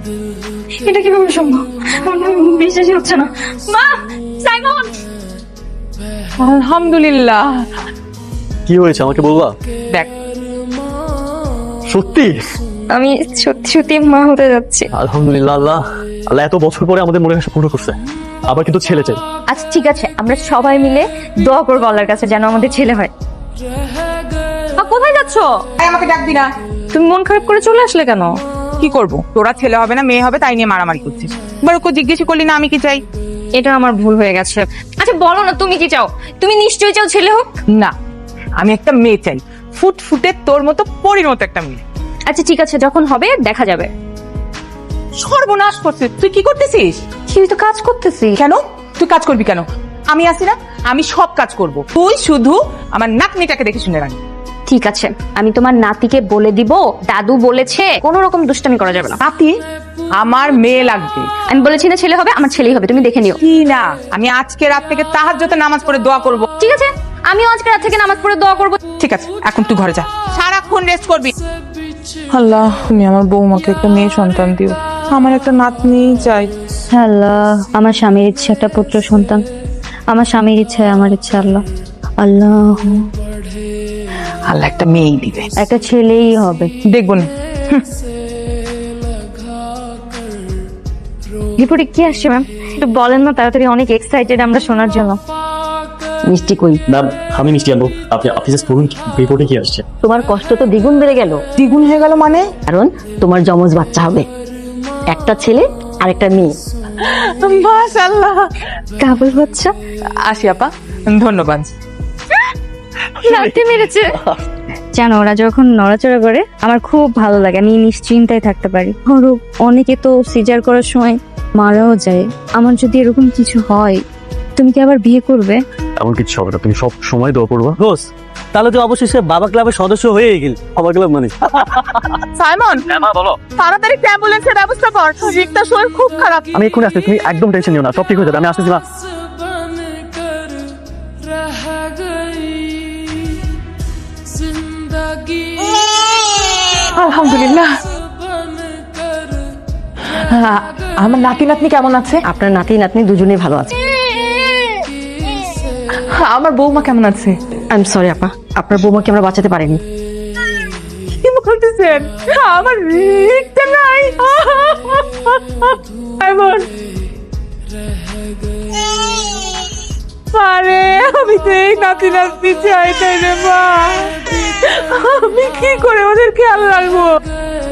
এটা কিভাবে সম্ভব? আমার বিশ্বাসই হচ্ছে না। মা, সাইমন! আলহামদুলিল্লাহ। কি হয়েছে আমাকে বলবা? দেখ, সত্যি? আমি সত্যি সত্যি মা হতে যাচ্ছি। আলহামদুলিল্লাহ। আল্লাহ আল্লাহ এত বছর পরে আমাদের মনের আশা পূর্ণ করছে। আবার কিন্তু ছেলে চাই। আচ্ছা ঠিক আছে, আমরা সবাই মিলে দোয়া করবো আল্লাহর কাছে যেন আমাদের ছেলে হয়। কোথায় যাচ্ছ? আমাকে ডাকবি না। তুমি মন খারাপ করে চলে আসলে কেন? কি করব, তোরা ছেলে হবে না মেয়ে হবে তাই নিয়ে মারামারি করছিস। এবার ওকে জিজ্ঞেস করলি না আমি কি চাই। এটা আমার ভুল হয়ে গেছে। আচ্ছা বলো না, তুমি কি চাও? তুমি নিশ্চয়ই চাও ছেলে হোক। না, আমি একটা মেয়ে চাই, ফুটফুটে তোর মতো পরির মতো একটা মেয়ে। আচ্ছা ঠিক আছে, যখন হবে দেখা যাবে। সর্বনাশ করছিস তুই, কি করতেছিস? কি, তো কাজ করতেছি। কেন তুই কাজ করবি কেন? আমি আছি না, আমি সব কাজ করব। তুই শুধু আমার নাতনিটাকে দেখে শুনে রাখবি। ঠিক আছে, আমি তোমার নাতিকে বলে দিব দাদু বলেছে কোনো রকম দুষ্টামি করা যাবে না। নাতি? আমার মেয়ে লাগবে। আমি বলেছি না ছেলে হবে, আমার ছেলেই হবে, তুমি দেখে নিও। কি না, আমি আজকে রাত থেকে তাহাজ্জুদে নামাজ পড়ে দোয়া করব। ঠিক আছে, আমিও আজকে রাত থেকে নামাজ পড়ে দোয়া করবো। ঠিক আছে, এখন তুই ঘরে যা, সারাক্ষণ রেস্ট করবি। আল্লাহ, তুমি আমার বৌমাকে একটা মেয়ে সন্তান দিও, আমার একটা নাতনি চাই। আল্লাহ, আমার স্বামীর ইচ্ছে একটা পুত্র সন্তান, আমার স্বামীর ইচ্ছা আমার ইচ্ছা। আল্লাহ আল্লাহ, আল্লাহ একটা মেয়েই দিবে, একটা ছেলেই হবে। দেখবো না। রিপোর্টে কি আসছে ম্যাম? একটু বলেন না তাড়াতাড়ি, অনেক এক্সাইটেড আমরা শোনার জন্য। মিষ্টি কই? ম্যাম আমি মিষ্টি আনবো, আপনি অফিসে পড়ুন রিপোর্টে কি আসছে। তোমার কষ্ট তো দ্বিগুণ বেড়ে গেল, দ্বিগুণ হয়ে গেল মানে? কারণ তোমার যমজ বাচ্চা হবে, একটা ছেলে আর একটা মেয়ে। মাশাআল্লাহ। কাবুল বাচ্চা। আসি আপা, ধন্যবাদ। লাথি মেরেছে। জানো, ওরা যখন নড়াচড়া করে আমার খুব ভালো লাগে, আমি নিশ্চিন্তায় থাকতে পারি। ধরো অনেকে তো সিজার করার সময় মারাও যায়, আমার যদি এরকম কিছু হয় তুমি কি আবার বিয়ে করবে? এমন কিছু হবে না, তুমি সব সময় দোয়া করবা। দোস্ত তাহলে তো অবশেষে বাবা ক্লাবের সদস্য হয়ে গেল। বাবা ক্লাব মানে সাইমন, বলো। তাড়াতাড়ি অ্যাম্বুলেন্সের ব্যবস্থা কর, রিক্তার শরীর খুব খারাপ। আমি এক্ষুনি আসছি, তুমি একদম টেনশন নিও না, সব ঠিক হয়ে যাবে। আমি আসতেছি মা। আলহামদুলিল্লাহ। আমার নাতি নাতনি কেমন আছে? আপনার নাতি নাতনি দুজনেই ভালো আছে। আমার বৌমা কেমন আছে? আই এম সরি আপা, আপনার বৌমাকে আমরা বাঁচাতে পারিনি। কি বলতেছেন? আমার রিক্তা নাই। এমন আরে, আমি তো এই নাতি নাতনি চাই তাই রে মা। আমি কি করে ওদের খেয়াল রাখবো?